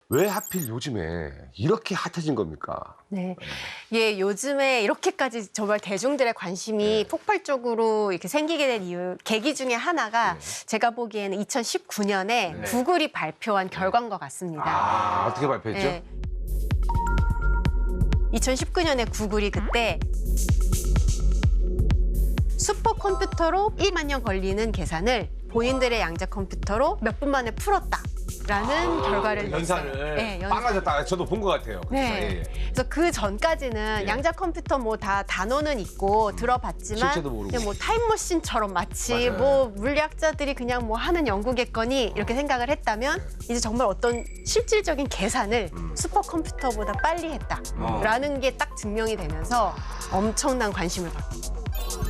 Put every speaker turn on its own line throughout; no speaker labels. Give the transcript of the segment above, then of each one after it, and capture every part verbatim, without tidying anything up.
왜 하필 요즘에 이렇게 핫해진 겁니까?
네. 예, 요즘에 이렇게까지 정말 대중들의 관심이
네.
폭발적으로 이렇게 생기게 된 이유, 계기 중에 하나가
네.
제가 보기에는 이천십구 년에
네.
구글이 발표한 결과인 것 같습니다.
아, 어떻게 발표했죠?
예. 이천십구 년에 구글이 그때 슈퍼컴퓨터로 일만 년 걸리는 계산을 본인들의 양자 컴퓨터로 몇 분 만에 풀었다. 라는 결과를 냈어요.
연산을
네, 연산.
빵하셨다. 저도 본 것 같아요. 그렇죠?
네.
예, 예.
그래서 그 전까지는
예.
양자 컴퓨터 뭐 다 단어는 있고 들어봤지만
실체도 모르고.
그냥 뭐 타임머신처럼 마치
맞아요.
뭐 물리학자들이 그냥 뭐 하는 연구겠거니 이렇게 생각을 했다면 이제 정말 어떤 실질적인 계산을
음.
슈퍼컴퓨터보다 빨리 했다라는 게 딱 증명이 되면서 엄청난 관심을 받고.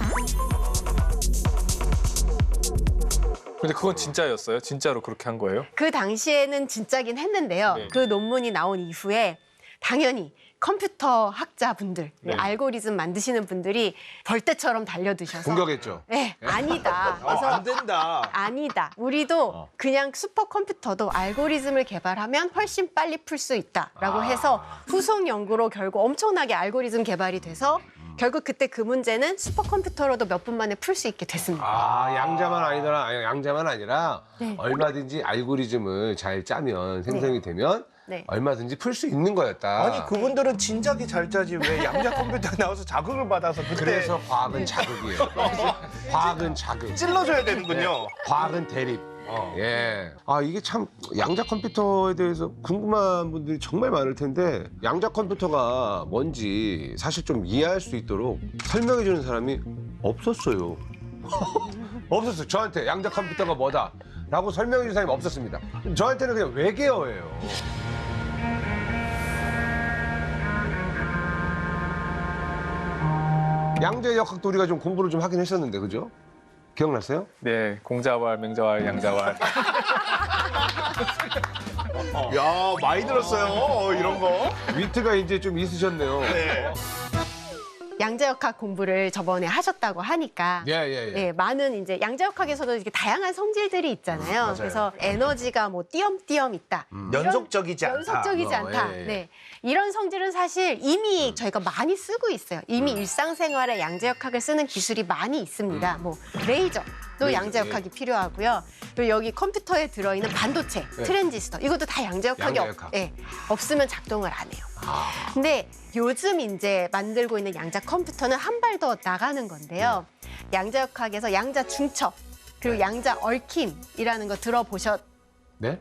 근데 그건 진짜였어요? 진짜로 그렇게 한 거예요?
그 당시에는 진짜긴 했는데요.
네.
그 논문이 나온 이후에 당연히 컴퓨터 학자분들,
네.
알고리즘 만드시는 분들이 벌떼처럼 달려드셔서
공격했죠.
네, 아니다.
아,
그래서
안 된다.
아니다. 우리도 그냥 슈퍼컴퓨터도 알고리즘을 개발하면 훨씬 빨리 풀 수 있다라고
아.
해서 후속 연구로 결국 엄청나게 알고리즘 개발이 돼서 결국 그때 그 문제는 슈퍼컴퓨터로도 몇 분 만에 풀 수 있게 됐습니다.
아, 양자만 아니더라. 아니, 양자만 아니라
네.
얼마든지 알고리즘을 잘 짜면 생성이 되면
네.
얼마든지 풀 수 있는 거였다.
아니 그분들은 진작에 잘 짜지 왜 양자 컴퓨터 나와서 자극을 받아서 그때
그래서 과학은 자극이에요. 과학은 자극.
찔러줘야 되는군요.
과학은 대립. 예. 아, 이게 참 양자 컴퓨터에 대해서 궁금한 분들이 정말 많을 텐데 양자 컴퓨터가 뭔지 사실 좀 이해할 수 있도록 설명해 주는 사람이 없었어요. 없었어요. 저한테 양자 컴퓨터가 뭐다 라고 설명해 주는 사람이 없었습니다. 저한테는 그냥 외계어예요. 양자역학도 우리가 좀 공부를 좀 하긴 했었는데, 그죠? 기억나세요?
네, 공자왈, 맹자왈, 양자왈.
야 많이 들었어요 어, 이런 거.
위트가 이제 좀 있으셨네요.
네.
양자역학 공부를 저번에 하셨다고 하니까
예, 예, 예.
네, 많은 이제 양자역학에서도 이렇게 다양한 성질들이 있잖아요.
맞아요.
그래서 에너지가 뭐 띄엄띄엄 있다.
연속적이지 않다.
연속적이지
어,
않다.
예, 예.
네. 이런 성질은 사실 이미 저희가 많이 쓰고 있어요. 이미 일상생활에 양자역학을 쓰는 기술이 많이 있습니다. 뭐 레이저도
레이저,
양자역학이 필요하고요. 그리고 여기 컴퓨터에 들어있는 반도체,
네.
트랜지스터 이것도 다 양자역학이
양자역학.
없, 예, 없으면 작동을 안 해요.
아,
근데 요즘 이제 만들고 있는 양자 컴퓨터는 한 발 더 나가는 건데요. 양자역학에서 양자 중첩 그리고 양자 얽힘이라는 거 들어보셨죠?
네?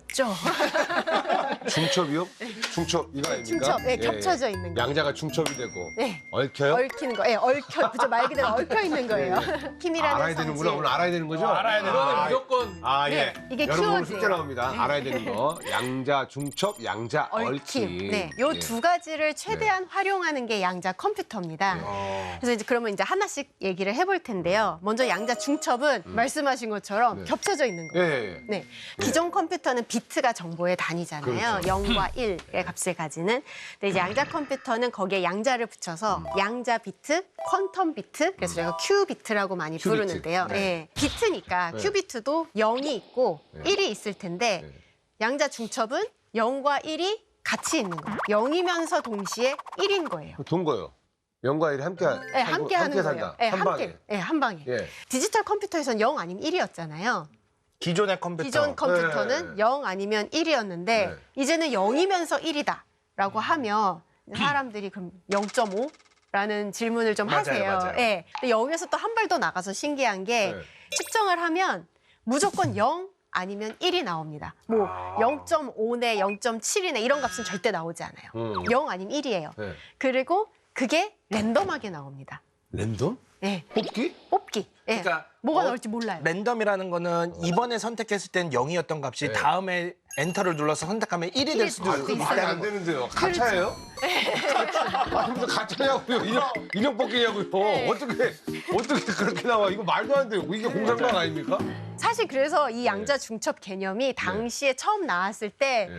중첩이요? 중첩 이거 아닙니까?
중첩, 네, 겹쳐져 있는 거.
양자가 중첩이 되고
네.
얽혀요?
얽히는 거, 예, 얽혀, 그죠? 말 그대로 얽혀 있는 거예요. 힘이라는
알아야
성질.
되는구나. 오늘 알아야 되는 거죠?
알아야 되는
아,
무조건.
아, 예.
네, 이게
여러분 오늘
키워드예요.
숙제 나옵니다. 알아야 되는 거. 양자 중첩, 양자 얽힘.
얽힘. 네, 요
예.
두 가지를 최대한 활용하는 게 양자 컴퓨터입니다.
어.
그래서 이제 그러면 이제 하나씩 얘기를 해볼 텐데요. 먼저 양자 중첩은 말씀하신 것처럼
네.
겹쳐져 있는
예,
거예요.
예, 예.
네, 기존 컴퓨터는 비트가 정보의 단위잖아요.
그렇죠.
영과 일의 값을 가지는. 근데 이제 양자 컴퓨터는 거기에 양자를 붙여서 양자 비트, 퀀텀 비트, 그래서 저희가 큐 비트라고 많이
큐 비트.
부르는데요.
네.
네. 비트니까
네.
큐 비트도 영이 있고
네.
일이 있을 텐데
네.
양자 중첩은 영과 일이 같이 있는 거예요. 영이면서 동시에 일인 거예요.
돈 거요. 영과 일이 함께 하-
네,
살고,
함께 하는 거예요.
산다.
네,
한
함께.
방에.
네, 한 방에.
예.
디지털 컴퓨터에서는 영 아니면 일이었잖아요.
기존의 컴퓨터.
기존 컴퓨터는
네.
영 아니면 일이었는데
네.
이제는 영이면서 일이다라고 하면 사람들이 그럼 영 점 오라는 질문을 좀
맞아요,
하세요.
맞아요.
예. 근데 여기에서 또 한 발 더 나가서 신기한 게
네.
측정을 하면 무조건 영 아니면 일이 나옵니다. 뭐
아.
영 점 오네, 영 점 칠이네 이런 값은 절대 나오지 않아요.
음.
영 아니면 일이에요.
네.
그리고 그게 랜덤하게 나옵니다.
랜덤?
예.
뽑기?
뽑기. 예.
그러니까
뭐가
어,
나올지 몰라요.
랜덤이라는 거는 이번에 선택했을 땐 영이었던 값이
네.
다음에 엔터를 눌러서 선택하면 일이 될 수도
아,
있고
그
말이 안
있다는 거.
되는데요. 가차예요? 아, 무슨 가차냐고요? 인형, 인형 뽑기냐고요?
네.
어떻게, 어떻게 그렇게 나와? 이거 말도 안 돼요. 이게 공상방 아닙니까?
사실 그래서 이 양자 중첩 개념이 당시에 처음 나왔을 때
네.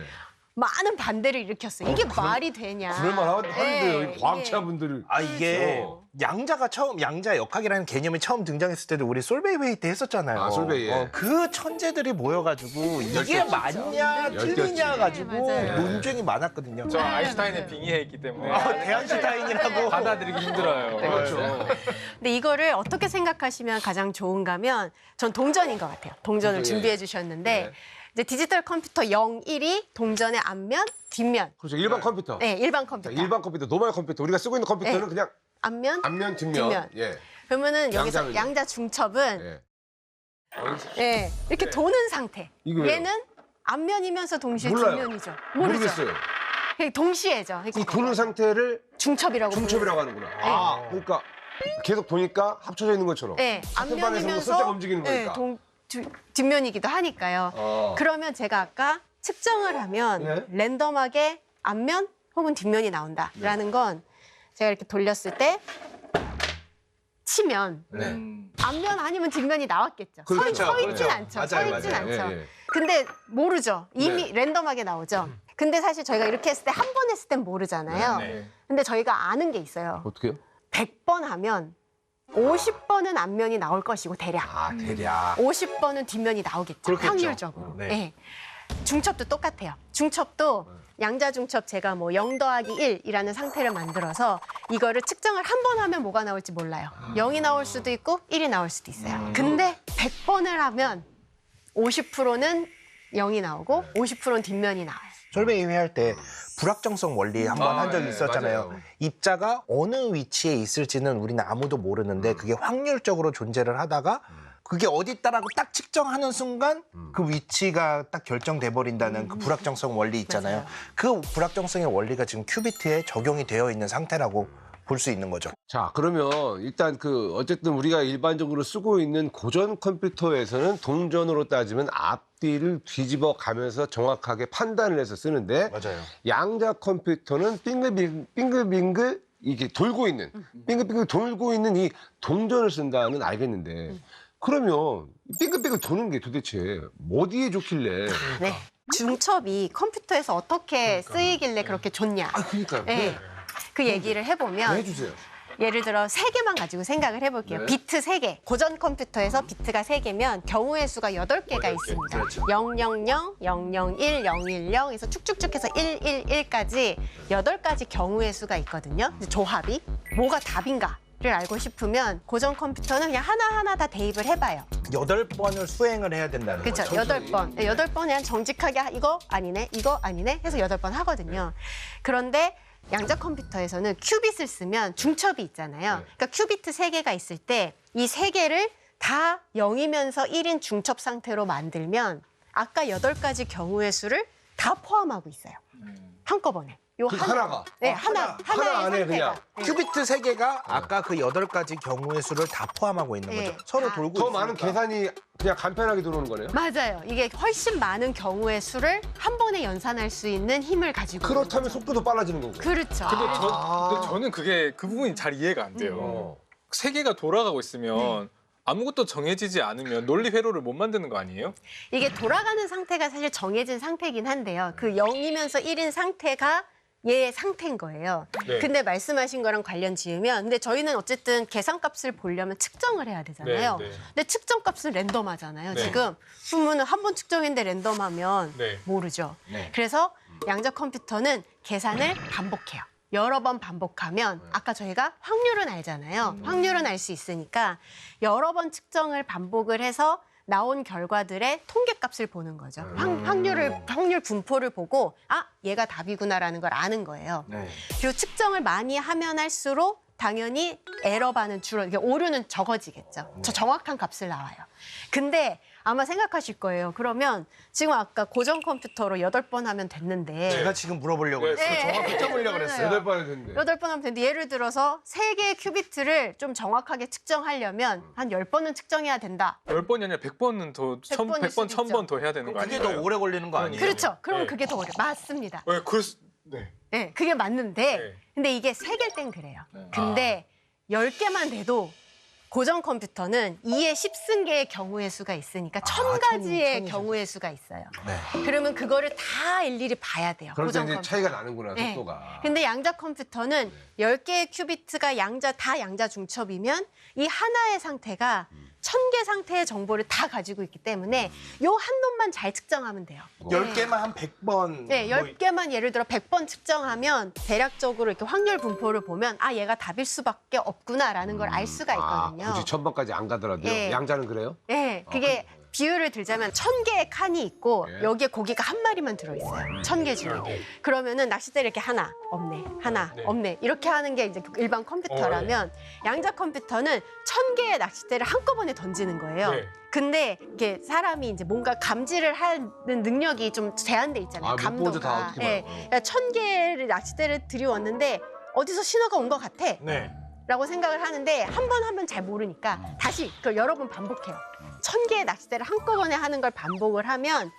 많은 반대를 일으켰어요. 이게
그럴-
말이 되냐.
그럴만 하는데요.
네,
과학자분들이.
아 이게
그렇죠.
양자가 처음 양자 역학이라는 개념이 처음 등장했을 때도 우리 솔베이 회의 때 했었잖아요.
아, 솔베이, 예.
어, 그 천재들이 모여가지고 이게
열렸지.
맞냐
열렸지.
틀리냐 가지고
네, 맞아요.
논쟁이 많았거든요.
저
네,
아인슈타인에
네.
빙의했기 때문에
아, 대한슈타인이라고.
받아들이기 힘들어요.
그렇죠.
근데 이거를 어떻게 생각하시면 가장 좋은가면 전 동전인 것 같아요. 동전을
동전, 예.
준비해 주셨는데
네.
이제 디지털 컴퓨터 영, 일이 동전의 앞면, 뒷면.
그렇죠. 일반 컴퓨터.
네, 일반
자,
컴퓨터.
일반 컴퓨터, 노멀 컴퓨터. 우리가 쓰고 있는 컴퓨터는
네.
그냥
앞면,
앞면, 뒷면.
뒷면.
예.
그러면은 여기서
양자는요?
양자 중첩은
예.
예, 이렇게
네.
도는 상태.
이거 왜요?
얘는 앞면이면서 동시에
몰라요.
뒷면이죠. 모르죠.
모르겠어요.
그게 동시에죠.
이 도는 상태를
중첩이라고
중첩이라고 하는구나. 아, 그러니까 계속 도니까 합쳐져 있는 것처럼.
네,
같은 반에서
앞면이면서
살짝 움직이는
네,
거니까.
동, 주- 뒷면이기도 하니까요.
어.
그러면 제가 아까 측정을 하면
네.
랜덤하게 앞면 혹은 뒷면이 나온다라는
네.
건 제가 이렇게 돌렸을 때 치면
네.
음.
앞면 아니면 뒷면이 나왔겠죠.
그렇죠.
서, 서 있진
그렇죠.
않죠.
맞아요,
서 있진
맞아요.
않죠.
예, 예.
근데 모르죠. 이미
네.
랜덤하게 나오죠. 근데 사실 저희가 이렇게 했을 때 한 번 했을 땐 모르잖아요.
네.
근데 저희가 아는 게 있어요.
어떻게요?
백 번 하면 오십 번은 앞면이 나올 것이고 대략
아, 대략.
오십 번은 뒷면이 나오겠죠.
그렇겠죠.
확률적으로.
네.
네. 중첩도 똑같아요. 중첩도 양자 중첩 제가 뭐 영 더하기 일이라는 상태를 만들어서 이거를 측정을 한 번 하면 뭐가 나올지 몰라요. 영이 나올 수도 있고 일이 나올 수도 있어요. 근데 백 번을 하면 오십 퍼센트는 영이 나오고 오십 퍼센트는 뒷면이 나와요.
솔베이 회의할 때 불확정성 원리 한 번
아,
한 적이
예,
있었잖아요.
맞아요.
입자가 어느 위치에 있을지는 우리는 아무도 모르는데 그게 확률적으로 존재를 하다가 그게 어디 있다라고 딱 측정하는 순간 그 위치가 딱 결정돼 버린다는 그 불확정성 원리 있잖아요.
맞아요.
그 불확정성의 원리가 지금 큐비트에 적용이 되어 있는 상태라고 볼 수 있는 거죠.
자, 그러면 일단 그 어쨌든 우리가 일반적으로 쓰고 있는 고전 컴퓨터에서는 동전으로 따지면 앞뒤를 뒤집어 가면서 정확하게 판단을 해서 쓰는데
맞아요.
양자 컴퓨터는 빙글빙글, 빙글빙글 이게 돌고 있는 빙글빙글 돌고 있는 이 동전을 쓴다는 알겠는데 그러면 빙글빙글 도는 게 도대체 어디에 좋길래?
네. 중첩이 컴퓨터에서 어떻게 쓰이길래 그렇게 좋냐.
아, 그러니까요.
네. 그 얘기를 해보면
해주세요.
예를 들어 세 개만 가지고 생각을 해볼게요.
네.
비트 세 개. 고전 컴퓨터에서 비트가 세 개면 경우의 수가 여덟 개가 있습니다.
그렇죠.
영영영, 영영일, 영일영 에서 쭉쭉쭉 해서 일일일까지 여덟 가지 경우의 수가 있거든요. 조합이. 뭐가 답인가를 알고 싶으면 고전 컴퓨터는 그냥 하나하나 다 대입을 해봐요.
여덟 번을 수행을 해야 된다는
그렇죠.
거죠.
여덟 번. 네, 여덟 번 그냥 정직하게 하- 이거 아니네, 이거 아니네 해서 여덟 번 하거든요. 그런데 양자 컴퓨터에서는 큐빗을 쓰면 중첩이 있잖아요.
네.
그러니까 큐비트 세 개가 있을 때 이 세 개를 다 영이면서 일인 중첩 상태로 만들면 아까 여덟 가지 경우의 수를 다 포함하고 있어요. 한꺼번에. 요
그 하나가?
네,
아,
하나.
하나.
하나의
하나 안에
상태가.
그냥.
네.
큐비트 세 개가 아까 그 여덟 가지 경우의 수를 다 포함하고 있는
네.
거죠. 서로
다.
돌고
더
있으니까.
많은 계산이 그냥 간편하게 들어오는 거네요.
맞아요. 이게 훨씬 많은 경우의 수를 한 번에 연산할 수 있는 힘을 가지고 있는
그렇다면
거죠.
속도도 빨라지는 거고.
그렇죠.
근데, 저,
아.
근데 저는 그게 그 부분이 잘 이해가 안 돼요.
어.
세계가 돌아가고 있으면 아무것도 정해지지 않으면 논리 회로를 못 만드는 거 아니에요?
이게 돌아가는 상태가 사실 정해진 상태긴 한데요. 그 영이면서 일인 상태가 얘의 상태인 거예요.
네.
근데 말씀하신 거랑 관련 지으면 근데 저희는 어쨌든 계산값을 보려면 측정을 해야 되잖아요.
네, 네.
근데 측정값은 랜덤하잖아요.
네.
지금 그러면 한 번 측정했는데 랜덤하면
네.
모르죠.
네.
그래서 양자 컴퓨터는 계산을 반복해요. 여러 번 반복하면 아까 저희가 확률은 알잖아요. 확률은 알 수 있으니까 여러 번 측정을 반복을 해서 나온 결과들의 통계값을 보는 거죠. 확, 확률을 확률 분포를 보고 아 얘가 답이구나라는 걸 아는 거예요.
네.
그리고 측정을 많이 하면 할수록 당연히 에러 반은 줄어, 이게 오류는 적어지겠죠. 저 정확한 값을 나와요. 근데 아마 생각하실 거예요. 그러면 지금 아까 고전 컴퓨터로 여덟 번 하면 됐는데
제가 지금 물어보려고
네.
그랬어요.
네.
정확히 쳐보려고 그랬어요.
여덟 번이 됐는데.
여덟 번 하면 되는데 예를 들어서 세 개의 큐비트를 좀 정확하게 측정하려면 한 열 번은 측정해야 된다.
열 번이 아니라 백 번은 더,
백
천,
번일
백 번,
수도
천 번
있죠.
더 해야 되는 거
그게
아니에요?
더 오래 걸리는 거 아니에요?
그렇죠. 그러면
네.
그게 더 어려. 맞습니다.
네, 그럴 수, 네.
네, 그게 맞는데
네.
근데 이게 세 개일 땐 그래요. 근데 열 개만 돼도 고정 컴퓨터는 이의 십승계의 경우의 수가 있으니까 천
천,
가지의
천이죠.
경우의 수가 있어요.
네.
그러면 그거를 다 일일이 봐야 돼요.
그럴 때
고정
이제
컴퓨터.
차이가 나는구나,
네.
속도가.
근데 양자 컴퓨터는 열 개의 큐비트가 양자 다 양자 중첩이면 이 하나의 상태가 천 개 상태의 정보를 다 가지고 있기 때문에 요 한 놈만 잘 측정하면 돼요.
열 개만 한 백 번.
네,
뭐
열 개만 예를 들어 백 번 측정하면 대략적으로 이렇게 확률 분포를 보면 아, 얘가 답일 수밖에 없구나라는 걸 알 수가 있거든요.
아, 굳이 천 번까지 안 가더라도요.
예.
양자는 그래요?
네, 그게 비율을 들자면 천 개의 칸이 있고
예.
여기에 고기가 한 마리만 들어있어요. 천 개 중에. 그러면은 낚싯대를 이렇게 하나, 없네, 하나,
네.
없네 이렇게 하는 게 이제 일반 컴퓨터라면 양자 컴퓨터는 천 개의 낚싯대를 한꺼번에 던지는 거예요.
네.
근데 이게 사람이 이제 뭔가 감지를 하는 능력이 좀 제한돼 있잖아요.
아, 못 보죠, 다
감도가.
어떻게
예.
봐요.
그러니까 천 개를 낚싯대를 들이웠는데 어디서 신호가 온 것 같아.
네.
라고 생각을 하는데 한 번 하면 잘 모르니까 다시 그걸 여러 번 반복해요. 천 개의 낚싯대를 한꺼번에 하는 걸 반복을 하면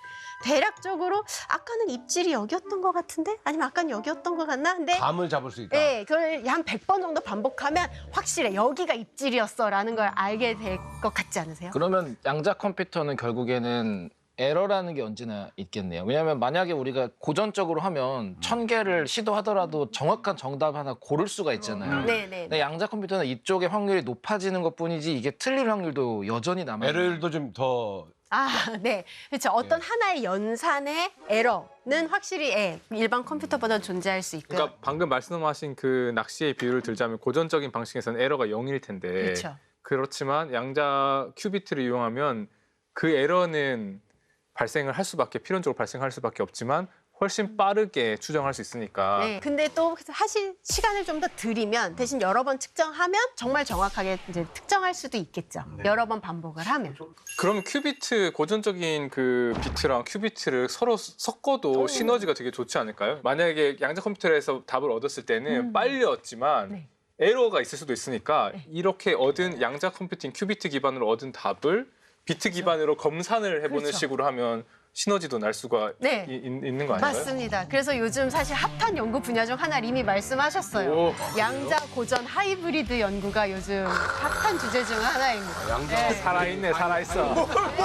대략적으로 아까는 입질이 여기였던 것 같은데? 아니면 아까는 여기였던 것 같나? 근데
감을 잡을 수 있다.
네, 그걸 한 백 번 정도 반복하면 확실해. 여기가 입질이었어라는 걸 알게 될 것 같지 않으세요?
그러면 양자 컴퓨터는 결국에는 에러라는 게 언제나 있겠네요. 왜냐하면 만약에 우리가 고전적으로 하면 천 개를 시도하더라도 정확한 정답 하나 고를 수가 있잖아요.
네, 네.
근데 양자 컴퓨터는 이쪽의 확률이 높아지는 것뿐이지 이게 틀릴 확률도 여전히 남아요.
에러율도 좀 더
아, 네. 그렇죠. 어떤
예.
하나의 연산의 에러는 확실히 예, 일반 컴퓨터보다 존재할 수 있고요.
그러니까 방금 말씀하신 그 낚시의 비율을 들자면 고전적인 방식에서는 에러가 영일 텐데
그렇죠.
그렇지만 양자 큐비트를 이용하면 그 에러는 발생을 할 수밖에 필연적으로 발생할 수밖에 없지만 훨씬 빠르게 추정할 수 있으니까
네. 근데 또 사실 시간을 좀 더 들이면 대신 여러 번 측정하면 정말 정확하게 이제 특정할 수도 있겠죠. 여러 번 반복을 하면.
그럼 큐비트 고전적인 그 비트랑 큐비트를 서로 섞어도 시너지가 되게 좋지 않을까요? 만약에 양자 컴퓨터에서 답을 얻었을 때는
음.
빨리 얻지만
네.
에러가 있을 수도 있으니까 이렇게 얻은 양자 컴퓨팅 큐비트 기반으로 얻은 답을 비트 기반으로 검산을 해보는
그렇죠.
식으로 하면 시너지도 날 수가
네.
이- 있- 있는 거 아닌가요?
맞습니다. 그래서 요즘 사실 핫한 연구 분야 중 하나 이미 말씀하셨어요.
오.
양자 고전 하이브리드 연구가 요즘 핫한 주제 중 하나입니다.
양자
네.
살아있네, 살아있어.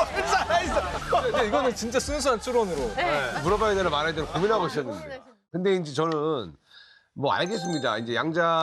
근데 이거는 진짜 순수한 추론으로.
네.
물어봐야 되나 말아야 되나 고민하고 있었는데. 근데 이제 저는 뭐 알겠습니다. 이제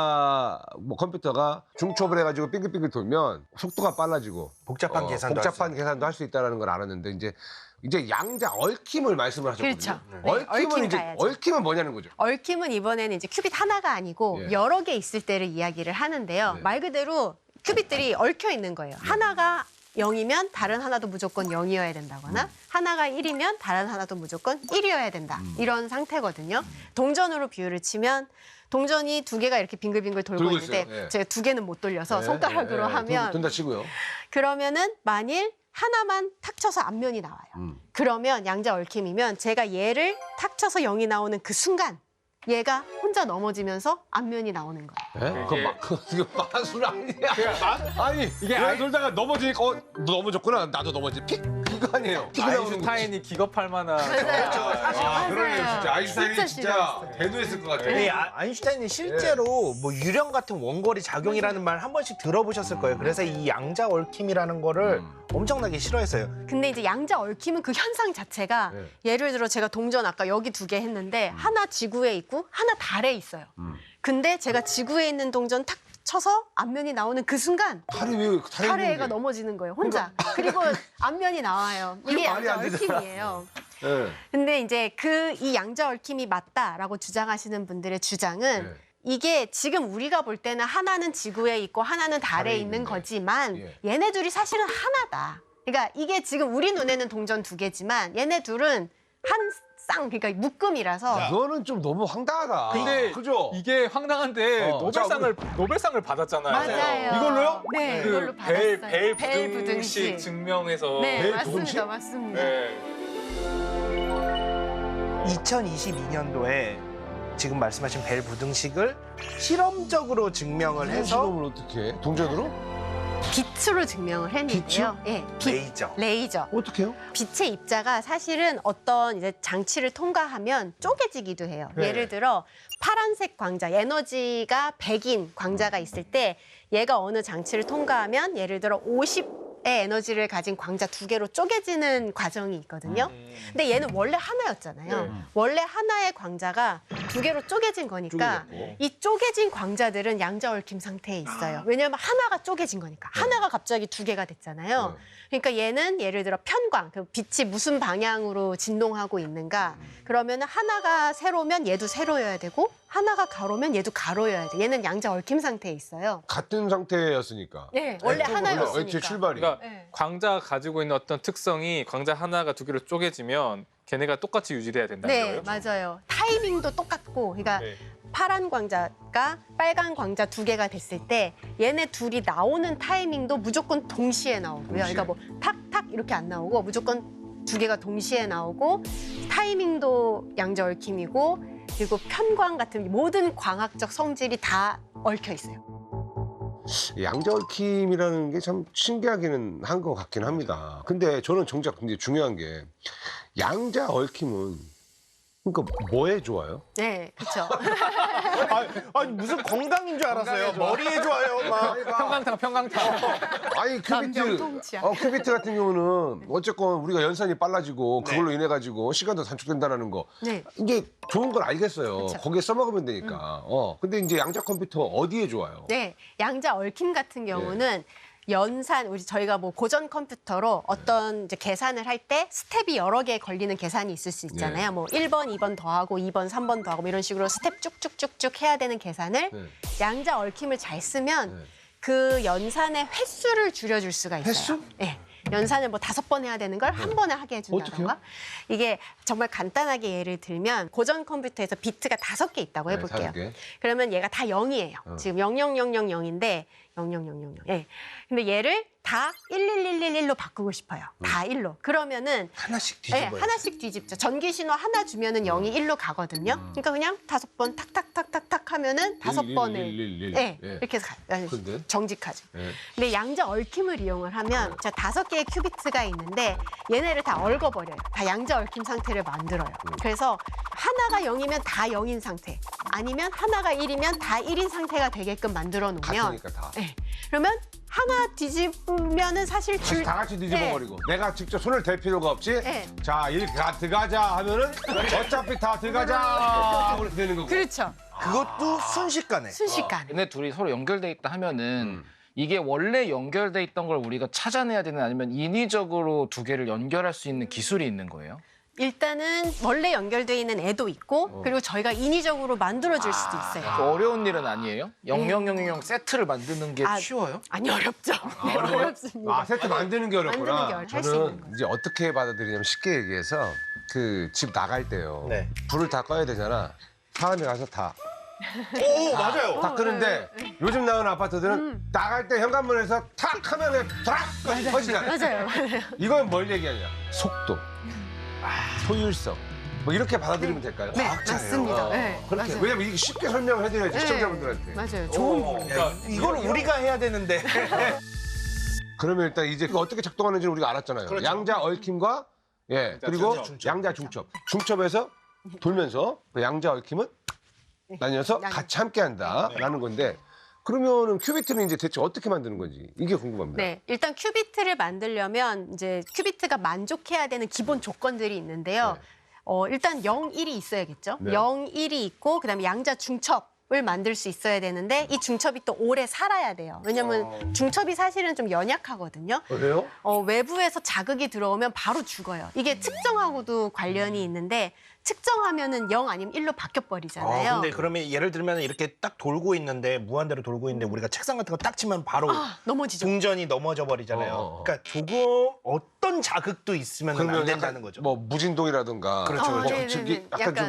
양자 뭐 컴퓨터가 중첩을 해가지고 빙글빙글 돌면 속도가 빨라지고
복잡한
어,
계산도
복잡한
할 수
계산도 할 수 있다는 걸 알았는데 이제 이제 양자 얽힘을 말씀을 하셨거든요.
그렇죠. 네,
얽힘은
얽힘
이제
가야죠.
얽힘은 뭐냐는 거죠.
얽힘은 이번에는 이제 큐빗 하나가 아니고
예.
여러 개 있을 때를 이야기를 하는데요.
네.
말 그대로 큐빗들이 얽혀 있는 거예요. 하나가 영이면 다른 하나도 무조건 영이어야 된다거나 하나가 일이면 다른 하나도 무조건 일이어야 된다. 이런 상태거든요. 동전으로 비유를 치면 동전이 두 개가 이렇게 빙글빙글 돌고
돌고
있는데
있어요. 예.
제가 두 개는 못 돌려서
네,
손가락으로
네, 네.
하면
둔다 치고요.
그러면은 만일 하나만 탁 쳐서 앞면이 나와요.
음.
그러면 양자 얽힘이면 제가 얘를 탁 쳐서 영이 나오는 그 순간 얘가 혼자 넘어지면서 앞면이 나오는 거예요.
예? 그거 막 그거 마술 아니야.
마-
아니 이게
아이-
돌다가 넘어지니까 어, 너 넘어졌구나. 나도 넘어지. 픽 이거 아니에요. 픽 나오는 거지.
아인슈타인이 기겁할 만한.
맞아요.
아, 그러네요. 진짜
진짜
아인슈타인이 진짜
싫어했어요.
대도했을 것 같아요.
네, 아- 아인슈타인이 실제로 뭐 유령 같은 원거리 작용이라는 말 한 번씩 들어보셨을 거예요. 그래서 이 양자 얽힘이라는 거를 엄청나게 싫어했어요.
근데 이제 양자 얽힘은 그 현상 자체가
네.
예를 들어 제가 동전 아까 여기 두 개 했는데 하나 지구에 있고 하나 달에 있어요.
음.
근데 제가 지구에 있는 동전 탁 쳐서 앞면이 나오는 그 순간
달이 왜 달에
달에
있는
애가
게?
넘어지는 거예요. 혼자. 그리고 앞면이 나와요. 이게
말이
양자
안 되잖아.
얽힘이에요.
예.
근데 이제 그 이 양자 얽힘이 맞다라고 주장하시는 분들의 주장은
네.
이게 지금 우리가 볼 때는 하나는 지구에 있고 하나는 달에,
달에
있는
있는데.
거지만
예.
얘네 둘이 사실은 하나다. 그러니까 이게 지금 우리 눈에는 동전 두 개지만 얘네 둘은 한 쌍, 그러니까 묶음이라서
이거는 좀 너무 황당하다.
근데
그죠?
이게 황당한데
어,
노벨상을 노벨상을 받았잖아요.
맞아요.
이걸로요?
네,
그
이걸로
벨,
받았어요.
벨
벨
부등식
부등식.
증명해서.
네,
벨
맞습니다.
부등식?
맞습니다.
네.
이천이십이 년도에 지금 말씀하신 벨 부등식을 실험적으로 증명을 해서
실험을 어떻게 해? 동전으로?
빛으로 증명을 했는데요. 예, 빛.
레이저.
레이저.
어떻게요?
빛의 입자가 사실은 어떤 이제 장치를 통과하면 쪼개지기도 해요.
네.
예를 들어 파란색 광자, 에너지가 백인 광자가 있을 때 얘가 어느 장치를 통과하면 예를 들어 오십의 에너지를 가진 광자 두 개로 쪼개지는 과정이 있거든요. 근데 얘는 원래 하나였잖아요.
네.
원래 하나의 광자가 두 개로 쪼개진 거니까
쪼개졌고.
이 쪼개진 광자들은 양자 얽힘 상태에 있어요. 왜냐하면 하나가 쪼개진 거니까. 하나가 갑자기 두 개가 됐잖아요. 그러니까 얘는 예를 들어 편광, 그 빛이 무슨 방향으로 진동하고 있는가. 그러면 하나가 세로면 얘도 세로여야 되고 하나가 가로면 얘도 가로여야 돼. 얘는 양자 얽힘 상태에 있어요.
같은 상태였으니까.
네, 원래
원래
하나였으니까.
애초에 출발이.
그러니까
네.
광자가 가지고 있는 어떤 특성이 광자 하나가 두 개로 쪼개지면 걔네가 똑같이 유지돼야 된다는
네,
거예요?
맞아요. 타이밍도 똑같고, 그러니까
네.
파란 광자가 빨간 광자 두 개가 됐을 때 얘네 둘이 나오는 타이밍도 무조건 동시에 나오고요.
동시에.
그러니까 뭐 탁탁 이렇게 안 나오고 무조건 두 개가 동시에 나오고 타이밍도 양자 얽힘이고 그리고 편광 같은 모든 광학적 성질이 다 얽혀 있어요.
양자 얽힘이라는 게 참 신기하기는 한 것 같긴 합니다. 근데 저는 정작 근데 중요한 게 양자 얽힘은 그러니까 뭐에 좋아요?
네, 그렇죠.
아니, 아니 무슨 건강인 줄 알았어요. 머리에 좋아요. 막.
평강탕, 평강탕.
아니 큐비트,
남병통치약.
어, 큐비트 같은 경우는 어쨌건 우리가 연산이 빨라지고 그걸로 인해 가지고 시간도 단축된다는 거
네.
이게 좋은 걸 알겠어요.
그쵸.
거기에 써먹으면 되니까. 어, 근데 이제 양자 컴퓨터 어디에 좋아요?
네, 양자 얽힘 같은 경우는 연산 우리 저희가 뭐 고전 컴퓨터로 어떤 이제 계산을 할 때 스텝이 여러 개 걸리는 계산이 있을 수 있잖아요.
네.
뭐 일 번, 이 번 더하고 이 번, 삼 번 더하고 뭐 이런 식으로 스텝 쭉쭉쭉쭉 해야 되는 계산을
네.
양자 얽힘을 잘 쓰면
네.
그 연산의 횟수를 줄여줄 수가 있어요.
횟수?
네. 연산을 뭐 다섯 번 해야 되는 걸 한 번에 하게 해준다던가.
어떡해요?
이게 정말 간단하게 예를 들면 고전 컴퓨터에서 비트가 다섯 개 있다고
네,
해볼게요.
다섯 개.
그러면 얘가 다 영이에요.
어.
지금 영영영영영인데 영영영영영. 예. 근데 얘를 다 일일일일일로 바꾸고 싶어요. 다 일로. 그러면은
하나씩
예,
뒤집어요.
하나씩 뒤집죠. 전기 신호 하나 주면은 영이 일로 가거든요. 그러니까 그냥 다섯 번 탁탁탁탁탁 하면은 다섯
일, 일,
번을
일, 일, 일.
예,
예.
이렇게 가, 아니,
근데?
정직하죠.
예.
근데 양자 얽힘을 이용을 하면 자 다섯 개의 큐비트가 있는데 얘네를 다 얽어버려요. 다 양자 얽힘 상태를 만들어요. 그래서 하나가 영이면 다 영인 상태, 아니면 하나가 일이면 다 일인 상태가 되게끔 만들어 놓으면
같으니까 다.
네. 그러면 하나 뒤집으면은 사실
다시
줄
다 같이 뒤집어버리고 내가 직접 손을 댈 필요가 없이
네.
자 일 가 들어가자 하면은 어차피 다 들어가자 그렇게 되는 거고.
그렇죠.
그것도 순식간에.
순식간에.
얘네 둘이 서로 연결돼 있다 하면은
음.
이게 원래 연결돼 있던 걸 우리가 찾아내야 되는 아니면 인위적으로 두 개를 연결할 수 있는 기술이 있는 거예요?
일단은 원래 연결돼 있는 애도 있고 그리고 저희가 인위적으로 만들어줄 수도 있어요.
어려운 일은 아니에요? 영영영영 세트를 만드는 게
아,
쉬워요?
아니 어렵죠. 네, 어렵습니다.
아 세트 만드는 게 어렵구나.
만드는 게 어려- 할수
저는
있는 거죠.
이제 어떻게 받아들이냐면 쉽게 얘기해서 그 집 나갈 때요.
네.
불을 다 꺼야 되잖아. 사람이 가서 다.
오 맞아요.
다 끄는데 요즘 나오는 아파트들은 나갈 때 현관문에서 탁 하면 그냥 탁 꺼지잖아.
맞아요. 맞아요.
이건 뭘 얘기하냐? 속도, 소율성. 뭐 이렇게 받아들이면 될까요?
네,
과학자예요.
맞습니다.
어,
네,
그렇게.
맞아요.
왜냐면 이게 쉽게 설명을 해드려야지 시청자분들한테.
네, 맞아요. 좋은 분.
야, 이걸 우리가 해야 되는데.
그러면 일단 이제 그 어떻게 작동하는지는 우리가 알았잖아요.
그렇죠.
양자 얽힘과 예 그리고
중첩.
양자 중첩. 중첩에서 돌면서 그 양자 얽힘은 나뉘어서
나뉘-
같이 함께한다라는 건데 그러면은 큐비트는 이제 대체 어떻게 만드는 건지 이게 궁금합니다.
네, 일단 큐비트를 만들려면 이제 큐비트가 만족해야 되는 기본 조건들이 있는데요.
네.
어, 일단 영, 일이 있어야겠죠.
네.
영, 일이 있고 그다음에 양자 중첩을 만들 수 있어야 되는데 이 중첩이 또 오래 살아야 돼요. 왜냐면 중첩이 사실은 좀 연약하거든요.
그래요?
어, 외부에서 자극이 들어오면 바로 죽어요. 이게 측정하고도 관련이 있는데 측정하면은 영 아니면 일로 바뀌어 버리잖아요.
아, 근데 그러면 예를 들면 이렇게 딱 돌고 있는데 무한대로 돌고 있는데 우리가 책상 같은 거 딱 치면 바로
아, 넘어지죠.
동전이 넘어져 버리잖아요.
어, 어, 어.
그러니까 조금 어떤 자극도 있으면 안 된다는
약간
거죠.
뭐 무진동이라든가
그렇죠,
뭐
어, 네네네.
저기 약간,
약간
좀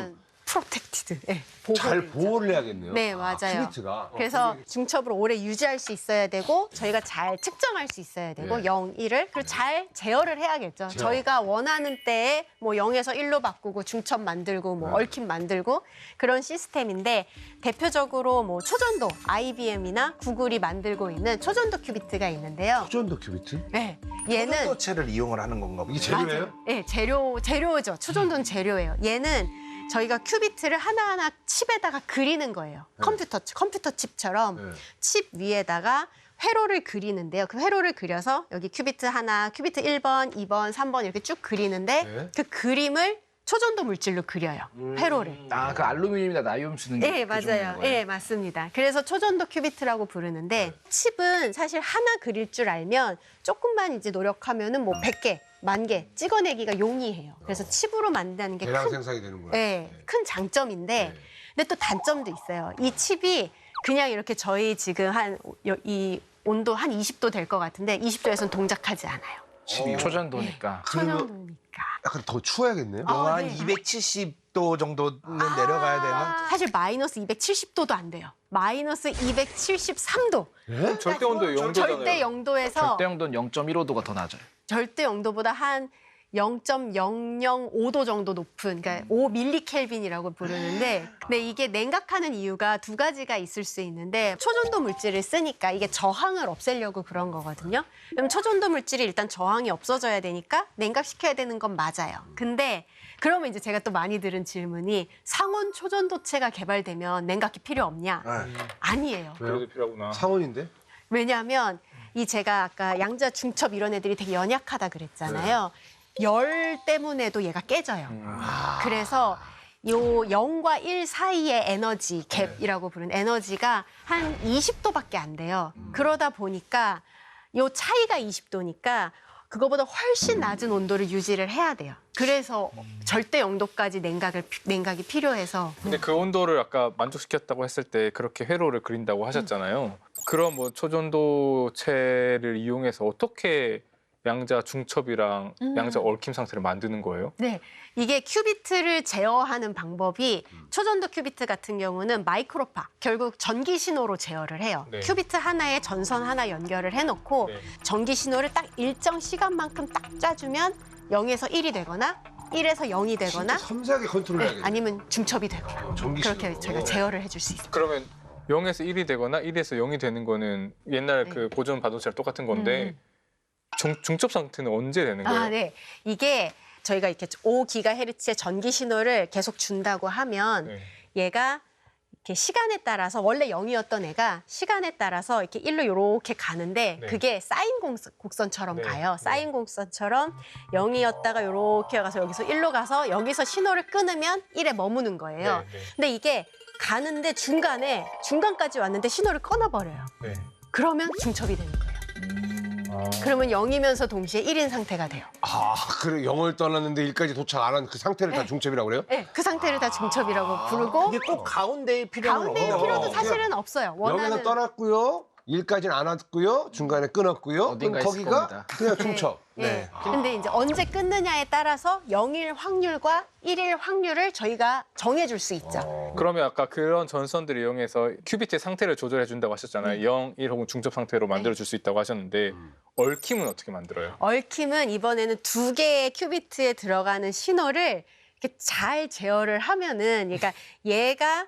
프로텍티드. 네,
잘
보호를
보호를 해야겠네요.
네,
아,
맞아요.
큐비트가.
그래서 중첩을 오래 유지할 수 있어야 되고 저희가 잘 측정할 수 있어야 되고
네.
영, 일을 그리고 잘 제어를 해야겠죠.
제어.
저희가 원하는 때에 뭐 영에서 일로 바꾸고 중첩 만들고 뭐
네.
얽힘 만들고 그런 시스템인데 대표적으로 뭐 초전도 아이비엠이나 구글이 만들고 있는 초전도 큐비트가 있는데요.
초전도 큐비트?
네, 얘는
초전도체를 이용을 하는 건가 보요.
이게 재료예요?
맞아요. 네, 재료 재료죠. 초전도는 재료예요. 얘는 저희가 큐비트를 하나하나 칩에다가 그리는 거예요.
네.
컴퓨터 컴퓨터 칩처럼
네.
칩 위에다가 회로를 그리는데요. 그 회로를 그려서 여기 큐비트 하나, 큐비트 일 번, 이 번, 삼 번 이렇게 쭉 그리는데
네.
그 그림을 초전도 물질로 그려요. 회로를.
아, 그 알루미늄이나 나이움 쓰는 게
네,
그 종류인
맞아요.
거예요?
네, 맞습니다. 그래서 초전도 큐비트라고 부르는데 칩은 사실 하나 그릴 줄 알면 조금만 이제 노력하면은 뭐 백 개, 만 개 찍어내기가 용이해요. 그래서 칩으로 만드는 게
대량
큰,
생산이 되는구나.
네, 큰 장점인데
네.
근데 또 단점도 있어요. 이 칩이 그냥 이렇게 저희 지금 한 이 온도 한 이십 도 될 것 같은데 이십 도에서는 동작하지 않아요.
칩이요?
초전도니까.
그러면
초전도니까.
약간 더 추워야겠네요.
아,
영하 한
네.
이백칠십 도 정도는 내려가야 되나?
사실 마이너스 이백칠십 도도 안 돼요. 마이너스 이백칠십삼 도.
네?
절대 온도 영 도잖아요.
절대 영도에서
절대 영도는 영 점 일오 도가 더 낮아요.
절대 영도보다 한 영 점 영영오 도 정도 높은, 그러니까 오 밀리켈빈이라고 부르는데, 근데 이게 냉각하는 이유가 두 가지가 있을 수 있는데, 초전도 물질을 쓰니까 이게 저항을 없애려고 그런 거거든요. 그럼 초전도 물질이 일단 저항이 없어져야 되니까 냉각시켜야 되는 건 맞아요. 근데 그러면 이제 제가 또 많이 들은 질문이 상온 초전도체가 개발되면 냉각기 필요 없냐?
네.
아니에요.
그래도 필요하구나.
상온인데?
왜냐하면 이 제가 아까 양자 중첩 이런 애들이 되게 연약하다 그랬잖아요. 열 때문에도 얘가 깨져요. 그래서 요 영과 일 사이의 에너지 갭이라고 부르는 에너지가 한 이십 도밖에 안 돼요. 그러다 보니까 요 차이가 이십 도니까 그거보다 훨씬 낮은 온도를 유지를 해야 돼요. 그래서 절대 영도까지 냉각을 냉각이 필요해서
근데 그 온도를 아까 만족시켰다고 했을 때 그렇게 회로를 그린다고 하셨잖아요. 그럼 뭐 초전도체를 이용해서 어떻게 양자 중첩이랑
음.
양자 얽힘 상태를 만드는 거예요?
네, 이게 큐비트를 제어하는 방법이 초전도 큐비트 같은 경우는 마이크로파, 결국 전기 신호로 제어를 해요.
네.
큐비트 하나에 전선 하나 연결을 해놓고
네.
전기 신호를 딱 일정 시간만큼 딱 짜주면 영에서 일이 되거나 일에서 영이 되거나
진짜 섬세하게
네,
컨트롤해야겠네.
아니면 중첩이 되고
전기
그렇게
신호.
저희가 제어를 해줄 수 있어요.
그러면 영에서 일이 되거나 일에서 영이 되는 거는 옛날
네.
그 고전 반도체랑 똑같은 건데
음.
중, 중첩 상태는 언제 되는 거예요?
아, 네. 이게 저희가 이렇게 오 기가헤르츠의 전기 신호를 계속 준다고 하면
네.
얘가 이렇게 시간에 따라서 원래 영이었던 애가 시간에 따라서 이렇게 일로 이렇게 가는데
네.
그게 사인 공선, 곡선처럼
네.
가요. 사인 곡선처럼 영이었다가 이렇게 가서 여기서 일로 가서 여기서 신호를 끊으면 일에 머무는 거예요.
네, 네.
근데 이게 가는데 중간에 중간까지 왔는데 신호를 끊어버려요.
네.
그러면 중첩이 되는 거예요.
아.
그러면 영이면서 동시에 일인 상태가 돼요.
아, 그래 영을 떠났는데 일까지 도착 안 한 그 상태를 다
네.
중첩이라고 그래요?
네, 그 상태를 다 중첩이라고 부르고
이게 꼭 가운데에 필요한
가운데의
어,
필요도
어,
사실은 없어요.
여기서
원하는
떠났고요. 일까지는 안 왔고요. 중간에 끊었고요.
어딘가
그럼
있을
거기가
겁니다.
그냥 중첩.
네. 근데 이제 언제 끊느냐에 따라서 영일 확률과 일일 확률을 저희가 정해줄 수 있죠.
그러면 아까 그런 전선들을 이용해서 큐비트의 상태를 조절해 준다고 하셨잖아요. 영, 일 혹은 중첩 상태로 만들어 줄 수 있다고 하셨는데 얽힘은 어떻게 만들어요?
얽힘은 이번에는 두 개의 큐비트에 들어가는 신호를 이렇게 잘 제어를 하면은, 그러니까 얘가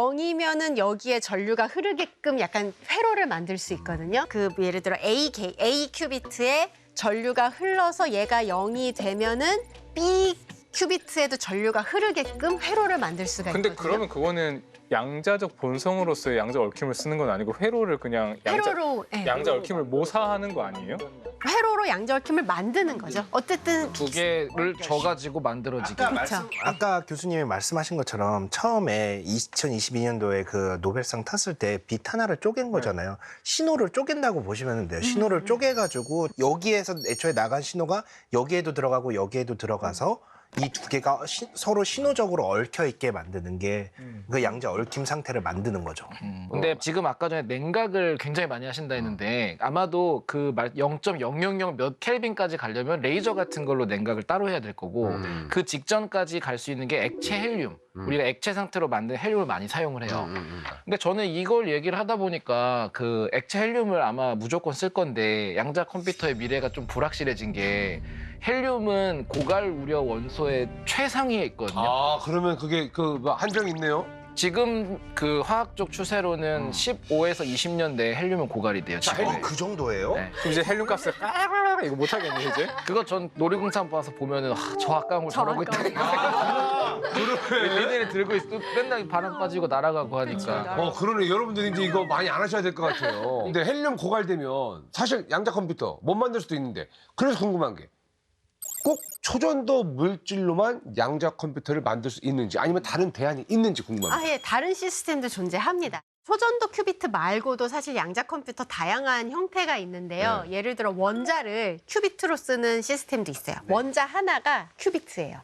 영이면은 여기에 전류가 흐르게끔 약간 회로를 만들 수 있거든요. 그 예를 들어 A, 게- A 큐비트에 전류가 흘러서 얘가 영이 되면은 B 큐비트에도 전류가 흐르게끔 회로를 만들 수가
근데
있거든요.
그러면 그거는 양자적 본성으로서의 양자 얽힘을 쓰는 건 아니고 회로를 그냥 양자,
회로로 예,
양자 얽힘을 모사하는 거 아니에요?
회로로 양자 얽힘을 만드는 거죠. 어쨌든
두 개를 져가지고 만들어지게.
그렇죠.
아까 교수님이 말씀하신 것처럼 처음에 이천이십이 년도에 그 노벨상 탔을 때 빛 하나를 쪼갠 거잖아요. 신호를 쪼갠다고 보시면 돼요. 신호를 쪼개가지고 여기에서 애초에 나간 신호가 여기에도 들어가고 여기에도 들어가서 이 두 개가 시- 서로 신호적으로 얽혀 있게 만드는 게 그 양자 얽힘 상태를 만드는 거죠.
음, 근데 지금 아까 전에 냉각을 굉장히 많이 하신다 했는데 아마도 그 영 점 영영영 몇 켈빈까지 가려면 레이저 같은 걸로 냉각을 따로 해야 될 거고
음.
그 직전까지 갈 수 있는 게 액체 헬륨. 우리가 액체 상태로 만든 헬륨을 많이 사용을 해요.
음, 음.
근데 저는 이걸 얘기를 하다 보니까 그 액체 헬륨을 아마 무조건 쓸 건데 양자 컴퓨터의 미래가 좀 불확실해진 게 헬륨은 고갈 우려 원소의 최상위에 있거든요.
아 그러면 그게 그 뭐 한정이 있네요.
지금 그 화학적 추세로는 십오에서 이십 년 내에 헬륨은 고갈이 돼요. 지금.
어, 그 정도예요?
네.
그럼 이제 헬륨 값을 까르르르 이거 못 하겠네 이제.
그거 전 놀이공산 와서 보면은 아, 저 아까운 걸
저
저러고
아까운
있다. 얘네를 들고 있어 맨날 바람 빠지고 날아가고 하니까.
어 그러네. 여러분들 이제 이거 많이 안 하셔야 될 것 같아요. 근데 헬륨 고갈되면 사실 양자 컴퓨터 못 만들 수도 있는데 그래서 궁금한 게 꼭 초전도 물질로만 양자 컴퓨터를 만들 수 있는지 아니면 다른 대안이 있는지 궁금합니다.
아예 다른 시스템도 존재합니다. 초전도 큐비트 말고도 사실 양자 컴퓨터 다양한 형태가 있는데요.
네.
예를 들어 원자를 큐비트로 쓰는 시스템도 있어요. 원자 하나가 큐비트예요.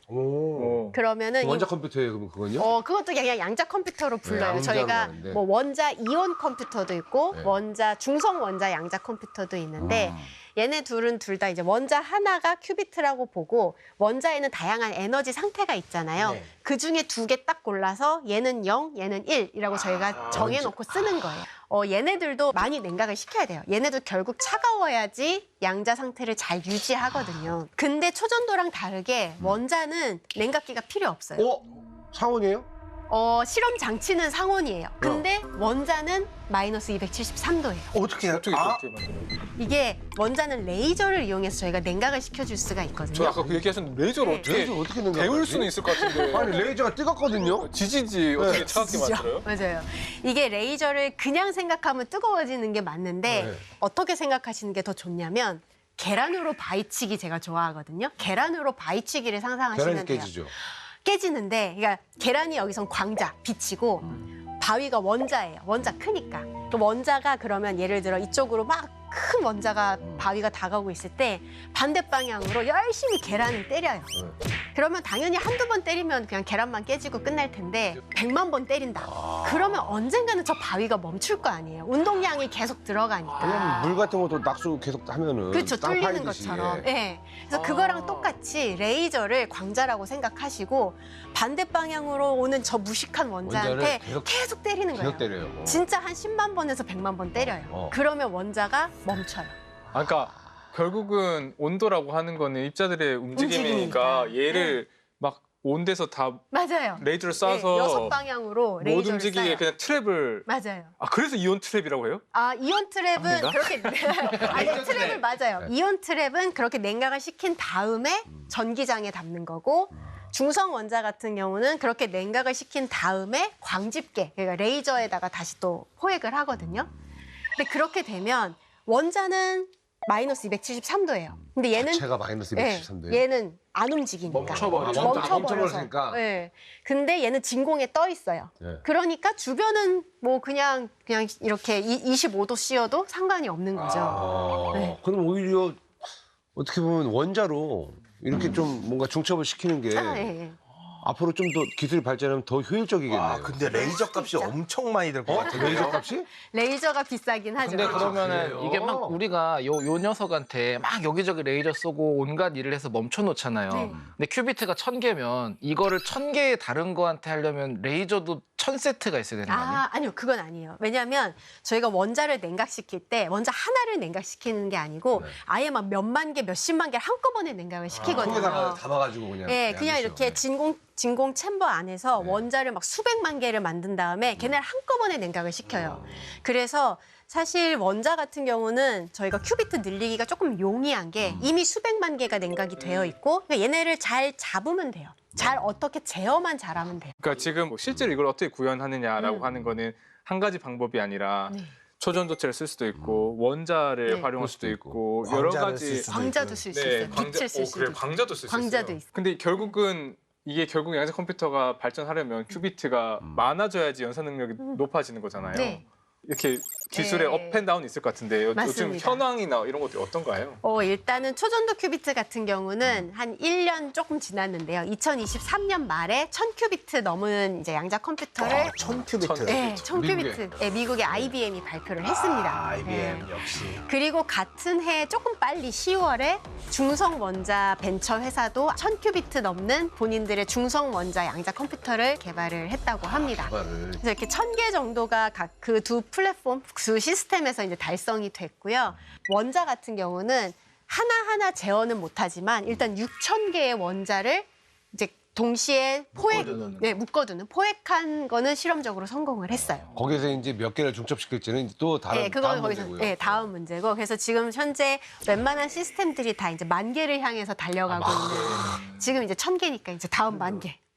오.
그러면은 이-
원자 컴퓨터예요, 그럼 그건요?
어 그것도 그냥 양자 컴퓨터로 불러요.
양자로
저희가
하는데.
뭐 원자 이온 컴퓨터도 있고
네.
원자 중성 원자 양자 컴퓨터도 있는데 얘네 둘은 둘 다 이제 원자 하나가 큐비트라고 보고 원자에는 다양한 에너지 상태가 있잖아요.
네.
그 중에 두 개 딱 골라서 얘는 영, 얘는 일이라고 저희가 정해놓고 쓰는 거예요. 어, 얘네들도 많이 냉각을 시켜야 돼요. 얘네도 결국 차가워야지 양자 상태를 잘 유지하거든요. 근데 초전도랑 다르게 원자는 냉각기가 필요 없어요.
어? 상온이에요?
어, 실험 장치는 상온이에요. 근데 원자는 마이너스 이백칠십삼 도예요.
어떻게
어떻게
아,
그렇게 만들어요?
이게 원자는 레이저를 이용해서 저희가 냉각을 시켜줄 수가
저
있거든요.
아까 그 얘기하셨는데 레이저를
네.
어떻게
레이저 어떻게 냉각?
데울 수는 있을 것 같은데.
아니 레이저가 뜨겁거든요.
지지지 어떻게
네.
차갑게 만들어요?
맞아요. 이게 레이저를 그냥 생각하면 뜨거워지는 게 맞는데
네.
어떻게 생각하시는 게 더 좋냐면 계란으로 바위치기 제가 좋아하거든요. 계란으로 바위치기를 상상하시면
계란이
돼요.
깨지죠.
깨지는데, 그러니까 계란이 여기선 광자, 빛이고 바위가 원자예요. 원자 크니까. 그 원자가 그러면 예를 들어 이쪽으로 막 큰 원자가 바위가 다가오고 있을 때 반대 방향으로 열심히 계란을 때려요. 그러면 당연히 한두 번 때리면 그냥 계란만 깨지고 끝날 텐데 백만 번 때린다. 그러면 언젠가는 저 바위가 멈출 거 아니에요. 운동량이 계속 들어가니까.
왜냐면 물 같은 것도 낙수 계속 하면은
그렇죠.
땅
뚫리는
파이듯이.
것처럼.
예.
예. 그래서 그거랑 똑같이 레이저를 광자라고 생각하시고 반대 방향으로 오는 저 무식한 원자한테
원자를 계속-
계속, 때리는 거예요.
계속 때려요.
진짜 한 십만 번에서 백만 번 때려요.
어.
그러면 원자가 멈춰요.
아, 그러니까 결국은 온도라고 하는 거는 입자들의 움직임이니까
움직임이니까.
얘를 막 온 데서 다
맞아요.
레이저를
네,
쏴서
여섯 방향으로
못
레이저를
움직이게
쏴요.
그냥 트랩을
맞아요.
아 그래서 이온 트랩이라고 해요?
아 이온 트랩은
아닌가?
그렇게 아니 트랩을 맞아요.
네.
이온 트랩은 그렇게 냉각을 시킨 다음에 전기장에 담는 거고 중성 원자 같은 경우는 그렇게 냉각을 시킨 다음에 광집계 그러니까 레이저에다가 다시 또 포획을 하거든요. 근데 그렇게 되면 원자는 마이너스 이백칠십삼 도예요. 근데 얘는
자체가 마이너스 이백칠십삼 도예요.
얘는 안 움직이니까.
멈춰버리죠.
아, 멈춰- 멈춰버렸으니까.
네. 근데 얘는 진공에 떠 있어요.
네.
그러니까 주변은 뭐 그냥 그냥 이렇게 이- 이십오 도 씌워도 상관이 없는 거죠.
아,
네.
그럼 오히려 어떻게 보면 원자로 이렇게 좀 뭔가 중첩을 시키는 게
아, 예, 예.
앞으로 좀 더 기술이 발전하면 더 효율적이겠네요.
아, 근데 레이저 값이
진짜.
엄청 많이 들 것
어?
같아요.
레이저 값이?
레이저가 비싸긴 하죠.
근데 그러면은
그래요?
이게 막 우리가 요, 요 녀석한테 막 여기저기 레이저 쏘고 온갖 일을 해서 멈춰 놓잖아요.
네.
근데 큐비트가 천 개면 이거를 천 개의 다른 거한테 하려면 레이저도 천 세트가 있어야 되는 거 아니에요?
아, 아니요. 그건 아니에요. 왜냐하면 저희가 원자를 냉각시킬 때 원자 하나를 냉각시키는 게 아니고
네.
아예 막 몇만 개, 몇십만 개를 한꺼번에 냉각을 시키거든요.
통에다가 담아가지고 그냥.
예, 그냥
양이죠.
이렇게 진공 진공 챔버 안에서
네.
원자를 막 수백만 개를 만든 다음에 걔네를 한꺼번에 냉각을 시켜요. 그래서 사실 원자 같은 경우는 저희가 큐비트 늘리기가 조금 용이한 게 이미 수백만 개가 냉각이 되어 있고 그러니까 얘네를 잘 잡으면 돼요. 잘 어떻게 제어만 잘하면 돼요.
그러니까 지금 뭐 실제로 이걸 어떻게 구현하느냐라고
음.
하는 거는 한 가지 방법이 아니라
네.
초전도체를 쓸 수도 있고 원자를
네.
활용할
그럴
수도
수도
있고 여러
광자를
가지
쓸 수도
광자도
있고요.
쓸 수 있어요. 빛을 쓸
오,
수도
그래
있고.
광자도 쓸 수 있어요.
광자도 있어요.
근데 결국은 이게 결국 양자 컴퓨터가 발전하려면 큐비트가 많아져야지 연산 능력이 높아지는 거잖아요.
네.
이렇게 기술의
네.
업앤다운이 있을 것 같은데 요- 요즘
맞습니다.
현황이나 이런 것들이 어떤가요?
어, 일단은 초전도 큐비트 같은 경우는 한 일 년 조금 지났는데요. 이천이십삼 년 말에 천 큐비트 넘은 이제 양자 컴퓨터를
아, 천 큐비트.
네, 천
미국에.
큐비트. 네, 미국의 아이비엠이 발표를 했습니다.
아, 아이비엠
네.
역시.
그리고 같은 해 조금 빨리 시월에 중성 원자 벤처 회사도 천 큐비트 넘는 본인들의 중성 원자 양자 컴퓨터를 개발을 했다고 합니다.
말을.
그래서 이렇게 천 개 정도가 각 그 두 플랫폼, 두 시스템에서 이제 달성이 됐고요. 원자 같은 경우는 하나하나 제어는 못하지만 일단 육천 개의 원자를 이제 동시에 포획,
묶어두는.
네, 묶어두는 포획한 거는 실험적으로 성공을 했어요.
거기서 이제 몇 개를 중첩시킬지는 또 다른
네, 그거는
다음
거기서
문제고요.
네, 다음 문제고. 그래서 지금 현재 웬만한 시스템들이 다 이제 만 개를 향해서 달려가고 있는. 지금 이제 천 개니까 이제 다음 만 개.